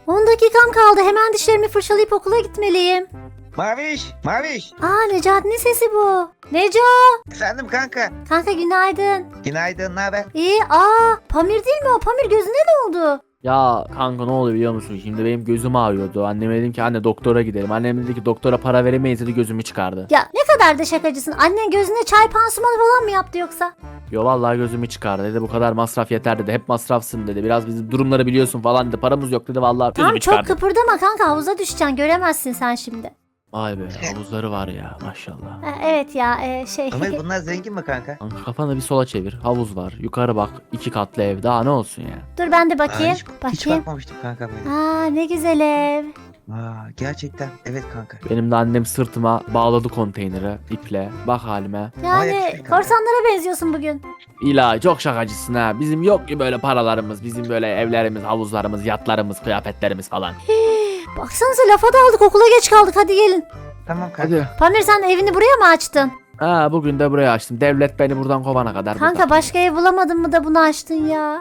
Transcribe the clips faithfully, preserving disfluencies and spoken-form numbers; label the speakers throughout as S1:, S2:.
S1: on dakikam kaldı. Hemen dişlerimi fırçalayıp okula gitmeliyim.
S2: Maviş, Maviş.
S1: Aa, Necati'nin sesi bu. Neco.
S2: Efendim kanka.
S1: Kanka günaydın.
S2: Günaydın, ne haber?
S1: İyi. Aa, Pamir değil mi o? Pamir gözüne ne oldu?
S3: Ya kanka ne oluyor biliyor musun? Şimdi benim gözüm ağrıyordu. Anneme dedim ki anne doktora gidelim. Annem dedi ki doktora para veremeyiz dedi, gözümü çıkardı.
S1: Ya ne kadar da şakacısın. Annen gözüne çay pansumanı falan mı yaptı yoksa?
S3: Yo vallahi gözümü çıkardı dedi, bu kadar masraf yeter dedi. Hep masrafsın dedi. Biraz bizim durumları biliyorsun falan dedi. Paramız yok dedi, vallahi
S1: Tamam,
S3: gözümü
S1: çok
S3: çıkardı.
S1: kıpırdama kanka, havuza düşeceksin, göremezsin sen şimdi.
S3: Vay be, havuzları var ya maşallah.
S1: Ha, evet ya e, şey.
S2: Ömer bunlar zengin mi kanka?
S3: Kanka kafanı bir sola çevir. Havuz var. Yukarı bak. iki katlı ev. Daha ne olsun ya.
S1: Dur ben de
S2: Aa,
S1: bakayım.
S2: hiç, hiç
S1: bakayım.
S2: bakmamıştım kanka böyle.
S1: Aa, ne güzel ev.
S2: Aa, gerçekten evet kanka.
S3: Benim de annem sırtıma bağladı konteyneri iple. Bak halime.
S1: Yani
S2: yakışıklı kanka.
S1: korsanlara benziyorsun bugün.
S3: İlahi çok şakacısın ha. Bizim yok ki böyle paralarımız. Bizim böyle evlerimiz, havuzlarımız, yatlarımız, kıyafetlerimiz falan.
S1: Baksanıza lafa daldık, okula geç kaldık, hadi gelin.
S2: Tamam kanka.
S3: Hadi.
S1: Pamir sen evini buraya mı açtın?
S3: Ha, bugün de buraya açtım. Devlet beni buradan kovana kadar.
S1: Kanka
S3: burada.
S1: başka ev bulamadın mı da bunu açtın ya?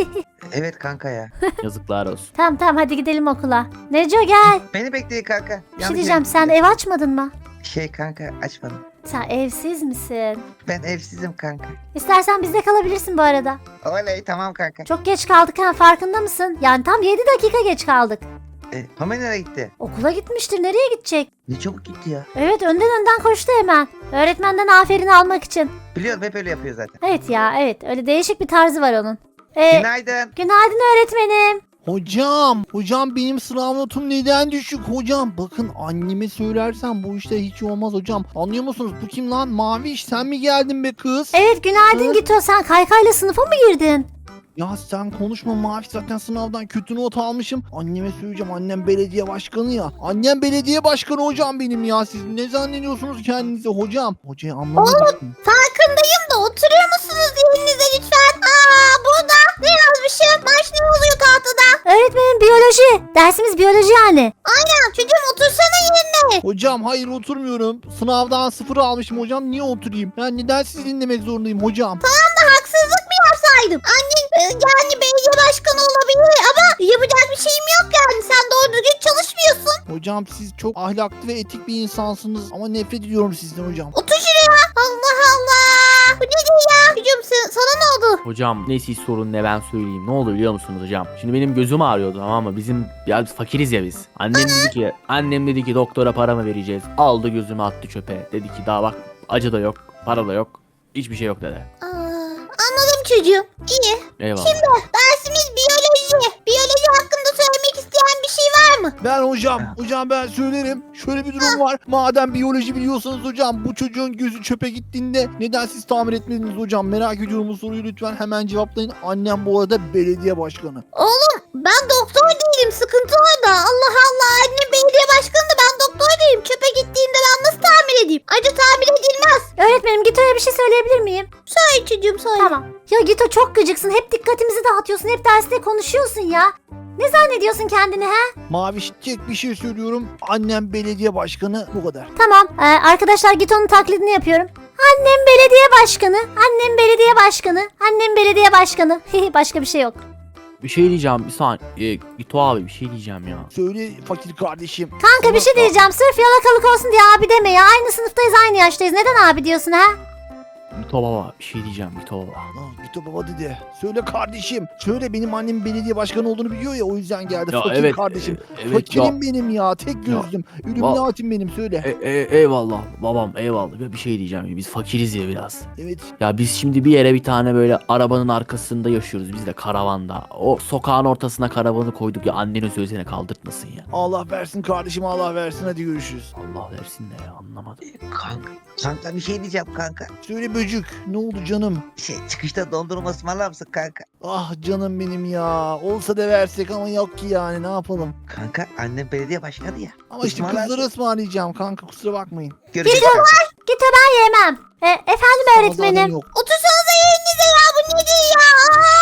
S2: Evet kanka ya.
S3: Yazıklar olsun.
S1: Tamam tamam, hadi gidelim okula. Neco gel.
S2: Beni bekleyin kanka.
S1: Bir şey diyeceğim, sen ev açmadın mı?
S2: Şey kanka açmadım.
S1: Sen evsiz misin?
S2: Ben evsizim kanka.
S1: İstersen bizde kalabilirsin bu arada.
S2: Oley tamam kanka.
S1: Çok geç kaldık ha, farkında mısın? Yani tam yedi dakika geç kaldık.
S2: E, Ömer nereye gitti?
S1: Okula gitmiştir, nereye gidecek?
S2: Ne çabuk gitti ya.
S1: Evet, önden önden koştu hemen. Öğretmenden aferin almak için.
S2: Biliyorum hep öyle yapıyor zaten.
S1: Evet ya, evet, öyle değişik bir tarzı var onun. Ee,
S2: Günaydın.
S1: günaydın öğretmenim.
S4: Hocam, hocam benim sınav notum neden düşük hocam? Bakın anneme söylersem bu işte hiç olmaz hocam. Anlıyor musunuz? Bu kim lan? Maviş sen mi geldin be kız?
S1: Evet günaydın
S4: Hı?
S1: Gito, sen kaykayla sınıfa mı girdin?
S4: Ya sen konuşma Maviş, zaten sınavdan kötü not almışım. Anneme söyleyeceğim, annem belediye başkanı ya. Annem belediye başkanı hocam benim ya. Siz ne zannediyorsunuz kendinize hocam? Hocayı anlamadık mı?
S1: Farkındayım da oturuyor musunuz yerinize lütfen? Aa, burada ne yazmışım? Baş ne oluyor tahtada? Öğretmenim biyoloji. Dersimiz biyoloji yani. Aynen, çocuğum otursana yerine.
S4: Hocam hayır oturmuyorum. Sınavdan sıfır almışım hocam. Niye oturayım? Ben neden sizi dinlemek zorundayım hocam?
S1: Haksızlık mı yapsaydım? Annen e, yani belediye başkanı olabilir ama yapacak bir şeyim yok yani. Sen doğru düzgün çalışmıyorsun.
S4: Hocam siz çok ahlaklı ve etik bir insansınız ama nefret ediyorum sizden hocam.
S1: Otur şuraya. Allah Allah. Bu nedir ya? Çocuğum sen- sana ne oldu?
S3: Hocam ne siz sorun ne ben söyleyeyim. Ne oldu biliyor musunuz hocam? Şimdi benim gözüm ağrıyordu, tamam mı? Bizim ya biz fakiriz ya biz. Annem dedi ki annem dedi ki doktora para mı vereceğiz? Aldı gözümü attı çöpe. Dedi ki daha bak acı da yok, para da yok. Hiçbir şey yok dedi.
S1: Aa, anladım çocuğum. İyi.
S3: Eyvallah.
S1: Dersimiz biyoloji. Biyoloji hakkında söylemek isteyen bir şey var mı?
S4: Ben hocam, hocam ben söylerim. Şöyle bir durum var. Madem biyoloji biliyorsanız hocam, bu çocuğun gözü çöpe gittiğinde neden siz tamir etmediniz hocam? Merak ediyorum bu soruyu, lütfen hemen cevaplayın. Annem bu arada belediye başkanı.
S1: Oğlum ben doktor değilim, sıkıntı orada. Allah Allah, annem belediye başkanı da ben doktor değilim. Çöpe gittiğinde ben nasıl tamir edeyim? Acı tamir edilmez. Öğretmenim Gito'ya bir şey söyleyebilir miyim? Söyle çocuğum söyle. Tamam. Ya Gito çok gıcıksın, hep dikkatimizi dağıtıyorsun, hep derste konuşuyorsun ya. Ne zannediyorsun kendini he?
S4: Maviş tek bir şey söylüyorum. Annem belediye başkanı, bu kadar.
S1: Tamam ee, arkadaşlar Gito'nun taklidini yapıyorum. Annem belediye başkanı, annem belediye başkanı, annem belediye başkanı. Başka bir şey yok.
S3: Bir şey diyeceğim bir saniye. Ee, Gito abi bir şey diyeceğim ya.
S4: Söyle fakir kardeşim.
S1: Kanka bir şey diyeceğim, sırf yalakalık olsun diye abi deme ya. Aynı sınıftayız, aynı yaştayız. Neden abi diyorsun ha?
S3: Gito baba bir şey diyeceğim Gito baba.
S4: Aa, Gito baba dedi. Söyle kardeşim. Söyle, benim annem belediye başkanı olduğunu biliyor ya, o yüzden geldi.
S3: Ya
S4: fakir
S3: evet,
S4: kardeşim.
S3: e- evet
S4: Fakirim benim ya. Tek gözlüm. Ülümlatim benim, söyle.
S3: E, e, eyvallah babam eyvallah. Ya bir şey diyeceğim, biz fakiriz ya biraz.
S4: Evet.
S3: Ya biz şimdi bir yere bir tane böyle arabanın arkasında yaşıyoruz biz de, karavanda. O sokağın ortasına karavanı koyduk ya, annenin sözüne kaldırtmasın ya.
S4: Allah versin kardeşim, Allah versin, hadi görüşürüz.
S3: Allah versin de ya, anlamadım.
S2: Kanka. Kanka bir şey diyeceğim kanka.
S4: Söyle böcük, ne oldu canım?
S2: Şey çıkışta dondurma ısmarlar mısın kanka?
S4: Ah canım benim ya. Olsa da versek ama yok ki, yani ne yapalım.
S2: Kanka annem belediye başkanı ya.
S4: Ama işte
S2: Ismarlarsın.
S4: kızları ısmarlayacağım kanka, kusura bakmayın.
S2: Görüşürüz kanka.
S1: Gito ben yemem. E, efendim
S4: Sana zaten
S1: öğretmenim.
S4: yok.
S1: Otursanıza yerinize ya, bu nedir ya?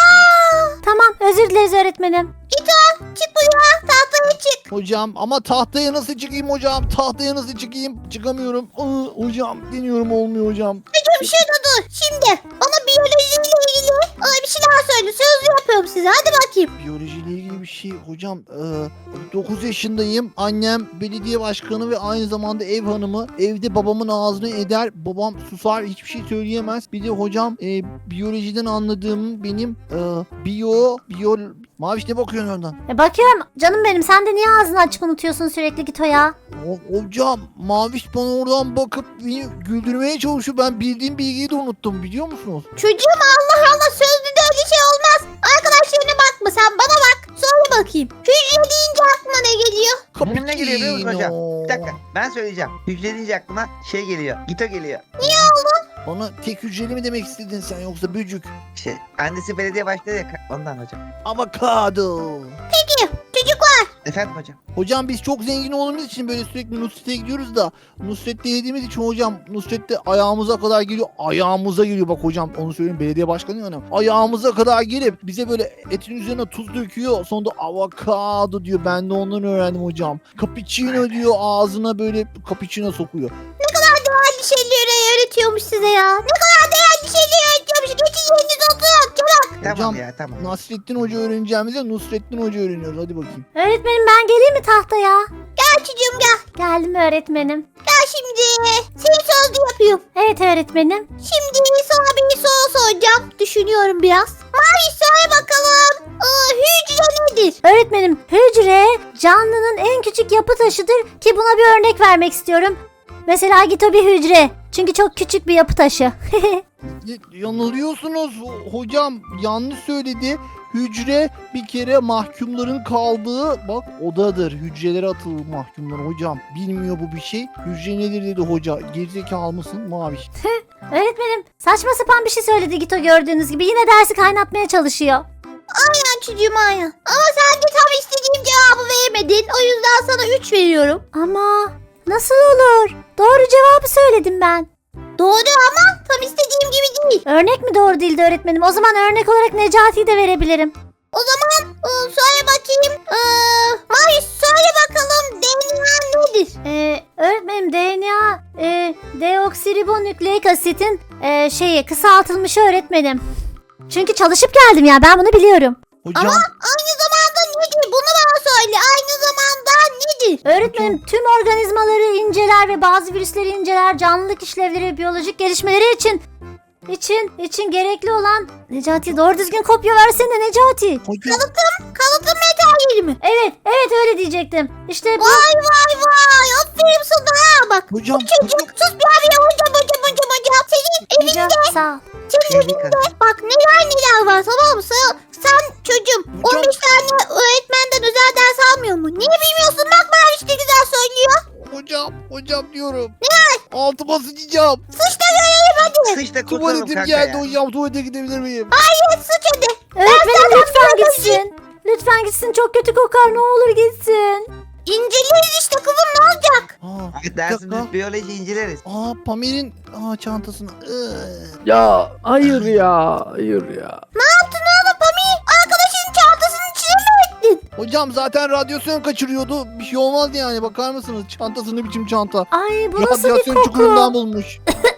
S1: Aa! Tamam, özür dileriz öğretmenim. Gito çık buraya, tahtaya çık.
S4: Hocam ama tahtaya nasıl çıkayım hocam? Tahtaya nasıl çıkayım? Çıkamıyorum. Aa, hocam deniyorum, olmuyor hocam.
S1: Çocuğum şurada dur. Şimdi bana biyolojiyle ilgili Ay bir şey daha söyle. Sözlü yapıyorum size. Hadi bakayım.
S4: Biyolojiyle ilgili bir şey hocam. dokuz yaşındayım. Annem belediye başkanı ve aynı zamanda ev hanımı. Evde babamın ağzını eder. Babam susar, hiçbir şey söyleyemez. Bir de hocam e, biyolojiden anladığım benim e, biyo biyo Maviş ne bakıyorsun oradan?
S1: E bakıyorum. Canım benim sen de niye ağzını açık unutuyorsun sürekli Gito ya?
S4: O- hocam Maviş bana oradan bakıp beni güldürmeye çalışıyor. Ben bildiğim bilgiyi de unuttum, biliyor musunuz?
S1: Çocuğum Allah Allah sözlüde öyle şey olmaz. Arkadaşlarına bakma sen bana bak. Söyle bakayım. Hücre deyince aklına ne geliyor?
S2: Benim ne geliyor biliyor musun hocam?
S4: Cappuccino.
S2: Bir dakika ben söyleyeceğim. Hücre deyince aklıma şey geliyor. Gito geliyor.
S4: Bana tek hücreli mi demek istedin sen, yoksa böcük?
S2: Şey, annesi belediye başkanı ya ondan hocam.
S4: Avokado.
S1: Peki çocuklar.
S2: Efendim hocam.
S4: Hocam biz çok zengin olduğumuz için böyle sürekli Nusret'e gidiyoruz da Nusret'te yediğimiz için hocam Nusret'te ayağımıza kadar geliyor. Ayağımıza geliyor bak hocam, onu söyleyeyim, belediye başkanı hanım. Ayağımıza kadar gelip bize böyle etin üzerine tuz döküyor. Sonra da avokado diyor. Ben de ondan öğrendim hocam. Cappuccino diyor, ağzına böyle cappuccino sokuyor.
S1: Değerli şeyleri öğretiyormuş size ya. Ne kadar değerli şeyleri öğretiyormuş. Geçin yerinize oturun. Çabuk.
S2: Tamam
S4: Hocam,
S2: ya tamam.
S4: Nasrettin Hoca öğreneceğimize Nusrettin Hoca öğreniyoruz. Hadi bakayım.
S1: Öğretmenim ben geleyim mi tahtaya? Gel çocuğum gel. Geldim öğretmenim. Gel şimdi. Seni sözlü yapıyorum. Evet öğretmenim. Şimdi sana bir soru soracağım. Düşünüyorum biraz. Mavi söyle bakalım. Aa, hücre nedir? Öğretmenim hücre canlının en küçük yapı taşıdır ki buna bir örnek vermek istiyorum. Mesela Gito bir hücre. Çünkü çok küçük bir yapı taşı.
S4: Y- Yanılıyorsunuz hocam, yanlış söyledi. Hücre bir kere mahkumların kaldığı bak odadır. Hücrelere atılır mahkumlar hocam. Bilmiyor bu bir şey. Hücre nedir dedi hoca. Gerizekalı mısın Maviş?
S1: Öğretmenim saçma sapan bir şey söyledi Gito gördüğünüz gibi. Yine dersi kaynatmaya çalışıyor. Aynen çocuğum aynen. Ama sen de tam istediğim cevabı veremedin. O yüzden sana üç veriyorum. Ama nasıl olur? Doğru cevabı söyledim ben. Doğru ama tam istediğim gibi değil. Örnek mi doğru değildi öğretmenim? O zaman örnek olarak Necati'yi de verebilirim. O zaman e, söyle bakayım. Ee, Mavi söyle bakalım D N A nedir? Ee, öğretmenim D N A e, deoksiribonükleik asitin e, şeyi kısaltılmışı öğretmenim. Çünkü çalışıp geldim ya ben bunu biliyorum.
S4: Hocam
S1: Aynı zamanda nedir? Bunu bana söyle. Aynı zamanda nedir? Öğretmenim tüm organizmaları inceler ve bazı virüsleri inceler. Canlılık işlevleri ve biyolojik gelişmeleri için için için gerekli olan Necati doğru düzgün kopya versene Necati.
S4: hocam
S1: Kalıtım materyali mi? Evet, evet öyle diyecektim. İşte bu. Vay vay vay. Aferin sana. Bak
S4: hocam
S1: çocuk sus bir abi ya hocam hocam hocam hocam. Senin evinde. Sağ ol. Senin
S2: Şey,
S1: evinde bak neler neler var tamam mı? Sen, sen çocuğum
S4: Hocam-
S1: on beş tane öğretmenden özel ders almıyor mu? Niye bilmiyorsun? Bak ben işte güzel söylüyor.
S4: hocam hocam diyorum. Ne? Altıma sıçacağım.
S1: Sıç da görelim hadi.
S2: Sıçta kurtulalım
S4: Tuvaletim
S2: kanka
S4: geldi
S2: ya.
S4: hocam, tuvalete gidebilir miyim?
S1: Hayır sıç hadi. Öğretmenim lütfen gitsin. Lütfen gitsin çok kötü kokar ne olur gitsin. İnceleriz işte kızım ne olacak?
S4: Aa, bir
S2: Dersimiz
S4: dakika.
S2: biyoloji inceleriz.
S4: Aa Pamir'in aa, çantasını. Iıı.
S3: Ya hayır ya hayır ya.
S1: Ne yaptın oğlum Pami? Arkadaşının çantasının içine mi ettin?
S4: Hocam zaten radyasyon kaçırıyordu. Bir şey olmaz yani, bakar mısınız? Çantası ne biçim çanta?
S1: Ay bu nasıl bir
S4: Radyasyon
S1: koku?
S4: çukurundan bulmuş.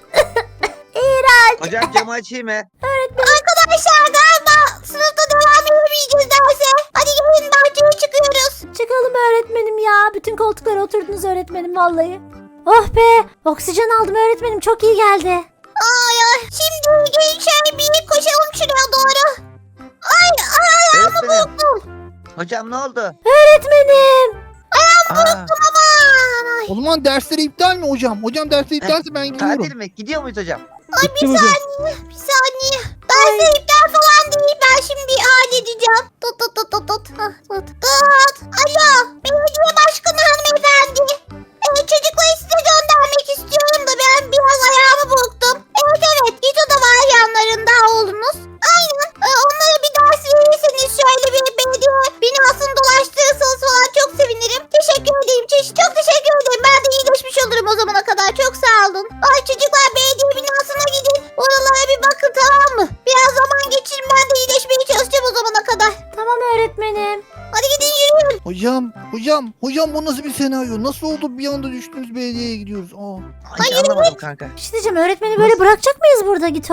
S2: Hocam camı açayım mı?
S1: Arkadaşlar galiba sınıfta devam edemeyeceğiz derse. Hadi gelin bahçeye çıkıyoruz. Çıkalım öğretmenim ya. Bütün koltuklara oturdunuz öğretmenim vallahi. Oh be oksijen aldım öğretmenim çok iyi geldi. Ay ay şimdi gelin şöyle bir koşalım şuraya doğru. Ay ay
S2: Öğretmenim. Hocam ne oldu?
S1: öğretmenim.
S2: Aa,
S1: Aman ay.
S4: O zaman dersleri iptal mi hocam? Hocam dersleri iptalse ben gidiyorum.
S2: tatil mi? Gidiyor muyuz hocam?
S1: Ay bir saniye bir saniye. Derse iptal falan değil ben şimdi halledeceğim. Tut tut tut tut tut. Hah, tut. Tut. Alo belediye başkanı hanımefendi. Ee, çocukları size göndermek istiyorum da ben biraz ayağımı burktum. Evet evet Gito da var yanlarında oğlunuz. Aynen. Ee, onlara bir ders verirseniz şöyle bir belediye binasını dolaştırırsanız falan çok sevinirim. Teşekkür ederim. Çok, çok teşekkür ederim. Ben de iyileşmiş olurum o zamana kadar. Çok sağ olun. Ay çocuklar belediye binasına gidin. Oralara bir bakın tamam mı? Biraz zaman geçirin ben de iyileşmeye çalışacağım o zamana kadar. Tamam öğretmenim. Hadi gidin yürüyün.
S4: Hocam, hocam, hocam bu nasıl bir senaryo? Nasıl oldu bir anda düştünüz belediyeye gidiyoruz? Aa.
S2: Hiç anlamadım kanka.
S1: Bir şey diyeceğim öğretmeni böyle bırakacak mıyız burada Gito?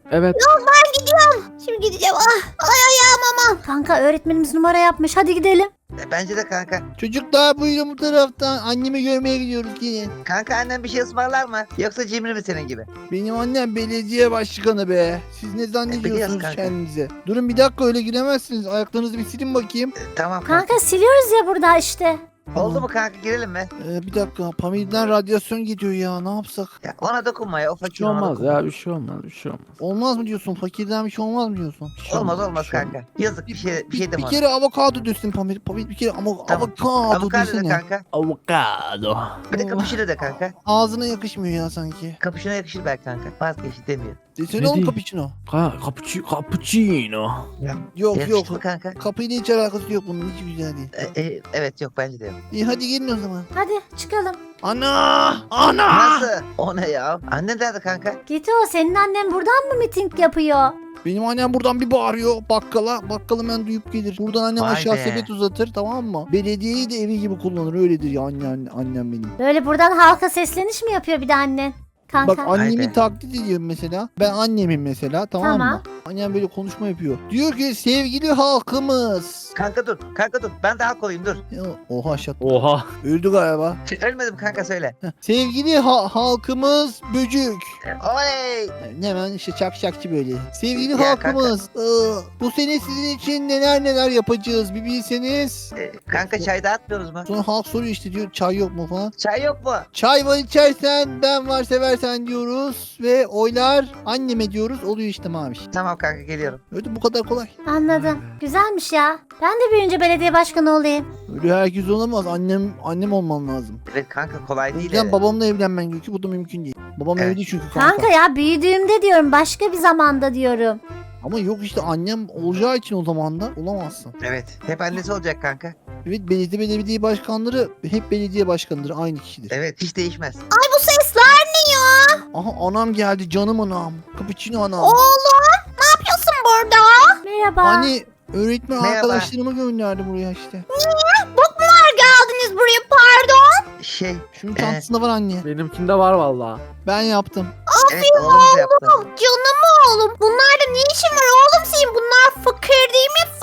S3: Evet.
S1: Ben gidiyorum. Şimdi gideceğim. Ah, ay ayağım aman. Kanka öğretmenimiz numara yapmış. Hadi gidelim.
S2: E, Bence de kanka.
S4: Çocuklar buyurun bu taraftan. Annemi görmeye gidiyoruz gelin.
S2: Kanka annen bir şey ısmarlar mı? Yoksa cimri mi senin gibi?
S4: Benim annem belediye başkanı be. Siz ne
S2: biliyoruz
S4: zannediyorsunuz
S2: kanka.
S4: kendinize? Durun bir dakika öyle giremezsiniz. Ayaklarınızı bir silin bakayım.
S2: E, tamam kanka.
S1: Kanka siliyoruz ya burada işte.
S2: Oldu mu kanka, girelim mi?
S4: Ee, bir dakika Pamir'den radyasyon gidiyor ya ne yapsak?
S2: Ya ona dokunma ya, o
S3: Bir
S2: fakir
S3: şey
S2: ona
S3: olmaz
S2: dokunma.
S3: ya, bir şey olmaz, bir şey olmaz.
S4: Olmaz mı diyorsun? Fakirden bir şey olmaz mı diyorsun?
S3: Bir şey
S2: Olmaz
S3: bir
S2: olmaz
S3: şey
S2: kanka. Yazık, bir şey bir
S4: Bir,
S2: şey deme
S4: bir
S2: ona.
S4: kere avokado dösün Pamir. Pamir bir kere ama
S2: Tamam.
S4: avokado
S2: Avokado de
S4: desene.
S2: kanka.
S3: Avokado.
S2: Bir de kapışını de kanka.
S4: Ağzına yakışmıyor ya sanki.
S2: Kapışına yakışır belki kanka. Vazgeçti demiyor.
S4: Desene
S3: Ne
S4: oğlum
S3: diyeyim?
S4: cappuccino.
S3: Ka cappuccino. Cappuccino.
S4: Yok
S2: Yakıştı
S4: yok.
S2: mı kanka?
S4: Kapıyla hiç alakası yok bunun hiç güzel değil.
S2: E, e, evet yok, bence de yok.
S4: İyi hadi gelin o zaman.
S1: Hadi çıkalım.
S4: Ana! Ana!
S2: Nasıl? O ne ya? Annen nerede kanka?
S1: Git o senin annen buradan mı miting yapıyor?
S4: Benim annem buradan bir bağırıyor bakkala. Bakkalı ben duyup gelir. Buradan annem
S2: Vay
S4: aşağı
S2: be.
S4: sepet uzatır tamam mı? Belediyeyi de evi gibi kullanır öyledir ya anne, anne- annem benim.
S1: Böyle buradan halka sesleniş mi yapıyor bir de annen? Kanka.
S4: Bak
S2: Vay
S4: annemi
S2: be.
S4: taklit ediyorum mesela. Ben annemin mesela tamam,
S1: Tamam.
S4: mı? Annem böyle konuşma yapıyor. Diyor ki sevgili halkımız.
S2: Kanka dur, kanka dur. Ben daha kolayım, dur.
S4: Ya, oha şat.
S3: Oha.
S4: Öldü galiba.
S2: Ölmedim kanka, söyle.
S4: Heh. Sevgili ha- halkımız böcük.
S2: Oley!
S4: Yani hemen işte çak şakçı böyle. Sevgili
S2: Ya
S4: halkımız. ıı, bu sene sizin için neler neler yapacağız bir bilseniz.
S2: E, kanka çay dağıtmıyoruz mu?
S4: Sonra halk soruyor işte diyor çay yok mu falan.
S2: Çay yok mu?
S4: Çay var içersen ben var seversen diyoruz. Ve oylar anneme diyoruz oluyor işte maviş.
S2: Tamam kanka, geliyorum.
S4: Öyle bu kadar kolay.
S1: Anladım. Güzelmiş ya. Ben de büyüyünce belediye başkanı olayım.
S4: Öyle herkes olamaz. Annem annem olman lazım.
S2: Evet kanka, kolay
S4: O
S2: değil.
S4: yüzden
S2: evet.
S4: babamla evlenmen gerekiyor. Bu da mümkün değil. Babam
S2: Evet.
S4: evli çünkü kanka.
S1: Kanka ya büyüdüğümde diyorum başka bir zamanda diyorum.
S4: Ama yok işte annem olacağı için o zaman da olamazsın.
S2: Evet. Hep annesi olacak kanka.
S4: Evet belediye belediye başkanları hep belediye başkanıdır. Aynı kişidir.
S2: Evet, hiç değişmez.
S1: Ay bu sesler ne ya?
S4: Aha anam geldi canım anam. Cappuccino anam.
S1: Oğlum ne yapıyorsun burada? Merhaba.
S4: Hani öğretmen
S2: Merhaba.
S4: arkadaşlarımı gönderdi buraya işte.
S1: Bok mu var geldiniz buraya pardon?
S2: Şey,
S4: Şunun
S2: Ee?
S4: çantasında var anne.
S3: Benimkinde var vallahi.
S4: Ben yaptım.
S2: evet oğlumuz yaptı.
S1: Canım oğlum. Bunlarda ne işin var oğlum senin? Bunlar fakir değil mi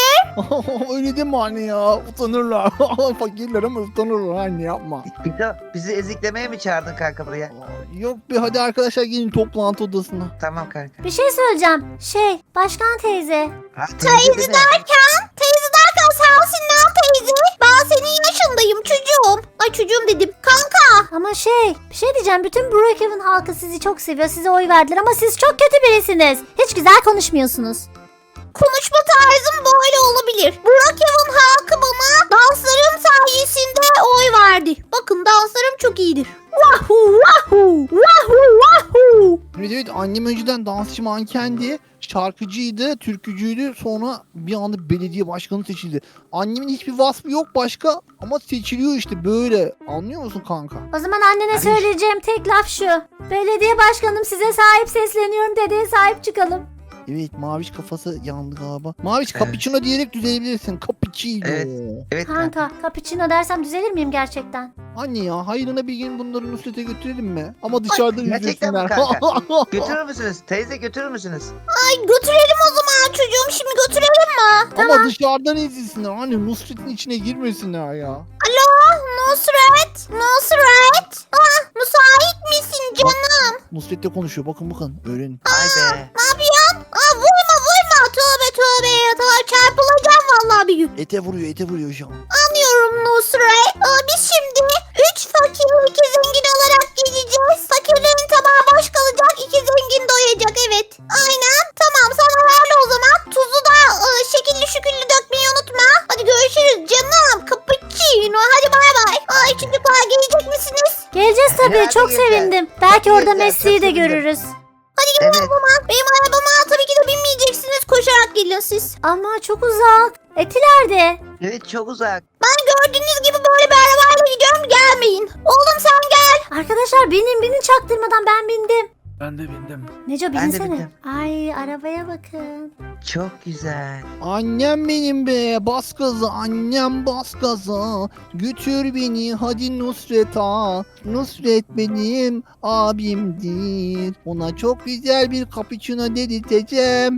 S1: fakir?
S4: Öyle deme anne ya. Utanırlar. Fakirler ama utanırlar anne yapma.
S2: Pito, bizi eziklemeye mi çağırdın kanka buraya?
S4: Yok be hadi arkadaşlar gelin toplantı odasına.
S2: Tamam kanka.
S1: Bir şey söyleyeceğim. Şey başkan teyze.
S2: Ha, teyze değil mi?
S1: Teyze derken sensin lan teyze. Ben senin yaşındayım çocuğum. Ay çocuğum dedim. Kanka. Ama şey bir şey diyeceğim. Bütün Brookhaven halkı sizi çok seviyor. Size oy verdiler ama siz çok kötü birisiniz. Hiç güzel konuşmuyorsunuz. Konuşma tarzım böyle olabilir. Brookhaven halkı bana danslarım sayesinde oy verdi. Bakın danslarım çok iyidir. Wahoo wahoo wahoo wahoo.
S4: Evet evet annem önceden dansçı mankendi. Şarkıcıydı, türkücüydü. Sonra bir anda belediye başkanı seçildi. Annemin hiçbir vasfı yok başka ama seçiliyor işte böyle. Anlıyor musun kanka?
S1: O zaman annene
S2: Ay.
S1: söyleyeceğim tek laf şu. Belediye başkanım size sahip sesleniyorum dedeye sahip çıkalım.
S4: Evet Maviş kafası yandı galiba. Maviş
S2: Evet.
S4: cappuccino diyerek düzelebilirsin. Cappuccino.
S2: Evet. Evet kanka.
S1: Kanka cappuccino dersem düzelir miyim gerçekten?
S4: Anne ya hayrına bir gün bunları Nusret'e götürelim mi? Ama dışarıda
S2: gerçekten mi
S4: izlesinler.
S2: Götürür müsünüz? Teyze götürür müsünüz?
S1: Ay götürelim o zaman çocuğum şimdi götürelim mi?
S4: Ama dışarıdan izlesinler. Hani Nusret'in içine girmesinler ya.
S1: Alo Nusret? Nusret? Ah müsait misin canım?
S4: Nusret'le konuşuyor. Bakın bakın öğrenin.
S2: Ay be.
S1: Ne yapıyorsun? Aa vurma vurma tövbe tövbe ya tamam çarpılacağım vallahi bir gün.
S4: Ete vuruyor ete vuruyor şu an.
S1: Anlıyorum Nusret. Aa, biz şimdi üç fakir iki zengin olarak gideceğiz. Fakirlerin tabağı boş kalacak iki zengin doyacak evet. Aynen tamam sen ayarla o zaman. Tuzu da e, şekilli şüküllü dökmeyi unutma. Hadi görüşürüz canım. Cappuccino hadi bay bay. Ay çocuklar gelecek misiniz? Geleceğiz tabii
S2: Herhalde
S1: çok
S2: geleceğiz.
S1: sevindim. Belki
S2: Tabii
S1: orada
S2: geleceğiz,
S1: Mesleği
S2: çok
S1: de
S2: sevindim.
S1: görürüz.
S2: Evet.
S1: Benim arabama tabii ki de binmeyeceksiniz. Koşarak gelin siz. Ama çok uzak. Etiler'de.
S2: Evet, çok uzak.
S1: Gördüğünüz gibi böyle bir arabayla gidiyorum gelmeyin. Oğlum sen gel. Arkadaşlar binin binin çaktırmadan ben bindim.
S3: Ben de bindim.
S1: Neco
S2: Ben de
S1: binsene.
S2: bindim.
S1: Ay arabaya bakın.
S2: Çok güzel.
S4: Annem benim be, bas gaza annem, bas gaza. Götür beni hadi Nusret'a. Nusret benim abimdir. Ona çok güzel bir cappuccino dedirteceğim.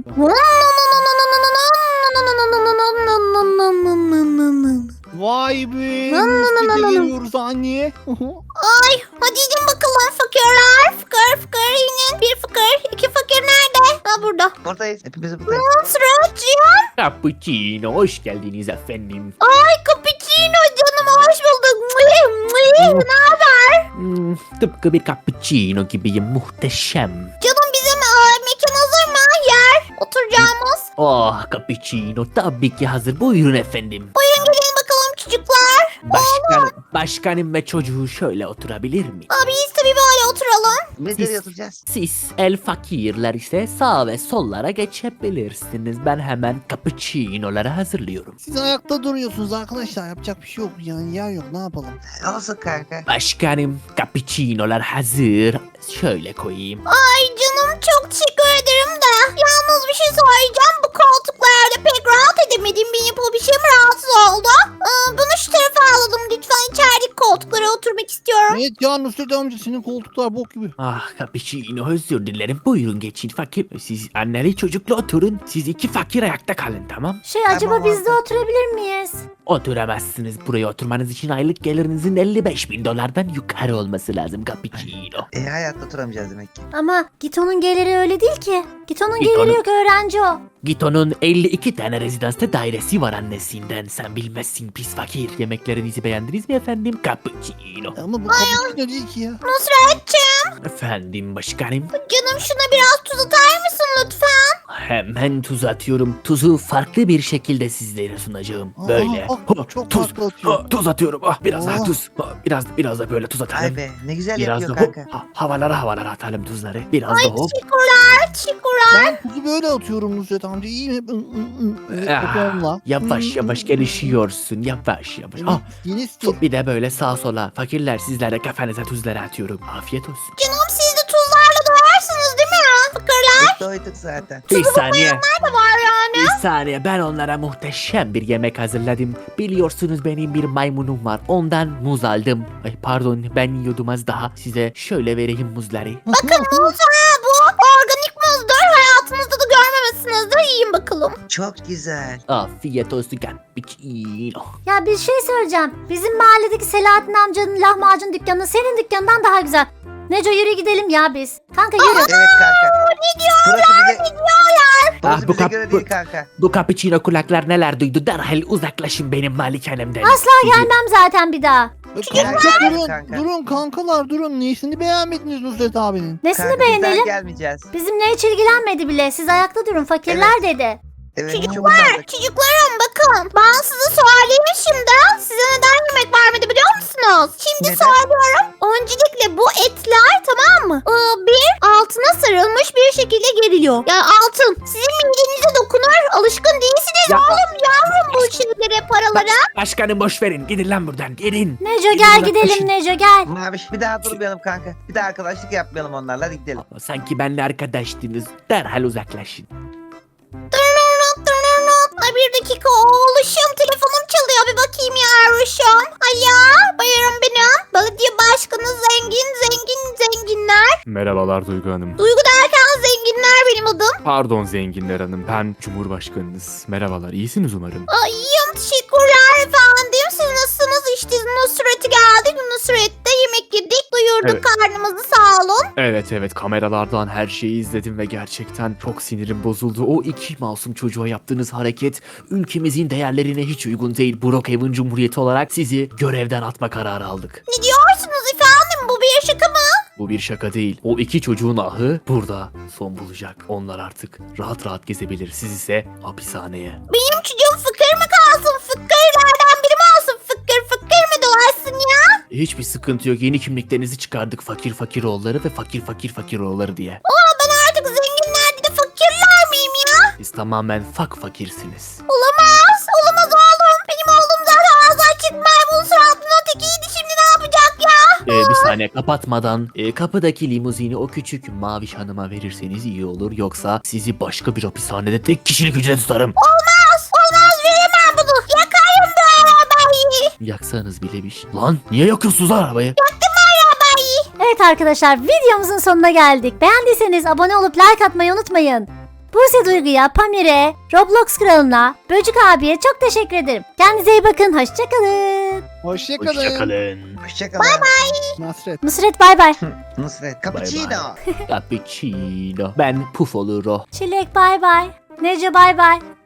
S4: Vay be, Nusret'e geliyoruz anne.
S1: Ay hadi gidin bakalım fakirler. Fıkır fıkır inin. Bir fıkır, iki fakir nerede? Ha burada.
S2: Buradayız. Hepimiz buradayız.
S1: Nusretciğim.
S3: Cappuccino hoş geldiniz efendim.
S1: Ay cappuccino canım hoş bulduk. Mıy, mıy. Ne haber?
S3: Hmm, tıpkı bir cappuccino gibiyim, muhteşem.
S1: Canım bizim e, mekan hazır mı? Yer. Oturacağımız.
S3: Oh cappuccino tabii ki hazır, buyurun efendim.
S1: Buyurun gelin bakalım çocuklar.
S3: Başkan, başkanım ve çocuğu şöyle oturabilir mi?
S1: Abi biz tabii böyle oturalım.
S2: Biz nereye oturacağız?
S3: Siz el fakirler ise sağ ve sollara geçebilirsiniz. Ben hemen cappuccino'ları hazırlıyorum.
S4: Siz ayakta duruyorsunuz arkadaşlar, yapacak bir şey yok yani, yer yok, ne yapalım.
S2: Olsun kanka.
S3: Başkanım cappuccino'lar hazır. Şöyle koyayım.
S1: Ay canım çok teşekkür ederim de. Yalnız bir şey söyleyeceğim. Bu koltuklarda pek rahat edemedim. Benim bu bir şeyim rahatsız oldu. Ee, bunu şu tarafa alalım. Lütfen içerideki koltuklara oturmak istiyorum.
S4: Evet ya Nusret amca, senin koltuklar bok gibi.
S3: Ah cappuccino özür dilerim. Buyurun geçin fakir. Siz anneli çocukla oturun. Siz iki fakir ayakta kalın, tamam?
S1: Şey
S2: acaba biz de
S1: oturabilir miyiz?
S3: Oturamazsınız. Buraya oturmanız için aylık gelirinizin elli beş bin dolardan yukarı olması lazım cappuccino.
S2: E hayatta oturamayacağız demek ki.
S1: Ama Gito'nun geliri öyle değil ki. Gito'nun
S3: Gito'nun-
S1: geliri yok, öğrenci o.
S3: Gito'nun elli iki tane rezidansta dairesi var annesinden. Sen bilmezsin pis fakir. Yemeklerinizi beğendiniz mi efendim? Cappuccino.
S4: Ama bu cappuccino değil ki ya.
S1: Nusretciğim.
S3: Efendim başkanım.
S1: Canım şuna biraz tuz atar mısın lütfen?
S3: Hemen tuz atıyorum. Tuzu farklı bir şekilde sizlere sunacağım. Böyle.
S4: Aa, aa, çok
S3: tuz,
S4: farklı atıyor.
S3: ah, tuz atıyorum. Ah, biraz daha
S4: Oh.
S3: tuz. Ah, biraz biraz da böyle tuz atalım.
S2: Ay be ne güzel
S3: Biraz
S2: yapıyor
S3: da hop,
S2: kanka.
S3: ha- havalara havalara atalım tuzları. Biraz da hop.
S1: Teşekkürler, teşekkürler.
S4: Ben tuzu böyle atıyorum Nusret amca, iyi mi? Hı, hı, hı. Evet,
S3: Ah,
S4: kapağımla.
S3: yavaş yavaş gelişiyorsun. Yavaş yavaş. Ah,
S4: Yeni stil.
S3: bir de böyle sağa sola. Fakirler sizlere kafanıza tuzları atıyorum. Afiyet olsun.
S1: Canım siz de tuzlarla doyarsınız değil mi ya? Fıkırlar
S2: Biz doyduk zaten.
S3: Bir saniye.
S1: da var yani.
S3: Bir saniye, ben onlara muhteşem bir yemek hazırladım. Biliyorsunuz benim bir maymunum var. Ondan muz aldım. Ay pardon, ben yiyordum az daha. Size şöyle vereyim muzları.
S1: Bakın muz ha bu. Organik muzdur. Hayatınızda da görmemişsinizdir. Yiyin bakalım.
S2: Çok güzel.
S3: Afiyet olsun cappuccino.
S1: Ya bir şey söyleyeceğim. Bizim mahalledeki Selahattin amcanın lahmacun dükkanı senin dükkanından daha güzel. Neco yürü gidelim ya biz. Kanka yürü.
S2: Evet kanka.
S1: Ne diyorlar?
S2: Burası bize,
S1: Ne diyorlar?
S2: burası
S3: Ah, bu
S2: bize
S3: kap-
S2: göre
S3: bu-
S2: değil kanka.
S3: Bu cappuccino kulaklar neler duydu? Derhal uzaklaşın benim malikanemden.
S1: Asla
S3: Sizi-
S1: gelmem zaten bir daha.
S4: Kanka
S2: Gel,
S4: durun,
S2: kanka.
S4: durun kankalar durun. Nesini beğenmediniz Nusret abinin?
S1: Nesini
S2: Kanka, biz daha
S1: beğenelim?
S2: gelmeyeceğiz.
S1: Bizimle hiç ilgilenmedi bile. Siz ayakta durun. Fakirler dedi.
S2: Evet
S1: Çocuklar,
S2: çok utandık.
S1: Çocuklarım bakın. Ben size söyleyeyim şimdi. Size neden yemek vermedi biliyor musunuz? Şimdi
S2: Neden?
S1: söylüyorum. Öncelikle bu etler tamam mı? Ee, bir altına sarılmış bir şekilde geriliyor. Yani altın. Sizin midenize dokunur. Alışkın değilsiniz
S3: Ya-
S1: oğlum yavrum bu şeylere, paralara.
S3: Başkanım boş verin. Gidin lan buradan. Gidin.
S1: Neco
S3: Gidin
S1: gel
S3: uzaklaşın.
S1: gidelim Neco gel.
S2: Maviş bir daha durmayalım kanka. Bir daha arkadaşlık yapmayalım onlarla, hadi gidelim.
S3: Ama sanki benimle arkadaştınız. Derhal uzaklaşın.
S1: Ay bir dakika oğluşum telefonum çalıyor bir bakayım ya Ruşum. Alo buyurun benim. Belediye başkanı zengin zengin zenginler.
S5: Merhabalar Duygu Hanım.
S1: Duygu derken zenginler benim adım.
S5: Pardon Zenginler Hanım, ben Cumhurbaşkanınız. Merhabalar, iyisiniz umarım.
S1: Ay iyiyim teşekkürler efendim. Siz nasılsınız? İşte Nusret'e geldik. Nusret'te yemek yedik. Doyurduk
S5: Evet.
S1: karnımızı sağ olun.
S5: Evet evet, kameralardan her şeyi izledim ve gerçekten çok sinirim bozuldu. O iki masum çocuğa yaptığınız hareket ülkemizin değerlerine hiç uygun değil. Brookhaven Cumhuriyeti olarak sizi görevden atma kararı aldık.
S1: Ne diyorsunuz efendim? Bu bir şaka mı?
S5: Bu bir şaka değil. O iki çocuğun ahı burada son bulacak. Onlar artık rahat rahat gezebilir. Siz ise hapishaneye.
S1: Benim çocuğum fıkır mı kalsın? Fıkırlardan biri mi olsun? Fıkır fıkır mı dolaşsın ya?
S3: Hiçbir sıkıntı yok. Yeni kimliklerinizi çıkardık. Fakir fakir oğulları ve fakir fakir fakir oğulları diye.
S1: Aa ben artık zenginler değil de fakirler miyim ya?
S3: Siz tamamen fak fakirsiniz.
S1: Olamaz. Olamaz oğlum. Benim oğlum zaten ağzı açık maymun suratlı ötekiydi. Şimdi ne yapacak ya?
S3: Ee, bir saniye
S5: Yani kapatmadan e, kapıdaki limuzini o küçük maviş hanıma verirseniz iyi olur. Yoksa sizi başka bir hapishanede tek kişilik hücrede tutarım.
S1: Olmaz. Olmaz veremem bunu. Yakarım bu arabayı.
S5: Yaksanız bile bir şey. Lan niye yakıyorsunuz lan arabayı?
S1: Evet arkadaşlar videomuzun sonuna geldik. Beğendiyseniz abone olup like atmayı unutmayın. Buse Duygu'ya, Pamir'e, Roblox kralına, Böcük abiye çok teşekkür ederim. Kendinize iyi bakın. Hoşçakalın.
S4: Hoşçakalın.
S5: Hoşçakalın.
S2: Hoşçakalın. Bye bye.
S4: Nasret.
S1: Nusret bay bay.
S2: Nusret. Cappuccino.
S5: Cappuccino. Ben puf olur o.
S1: Çilek bay bay. Nece bay bay.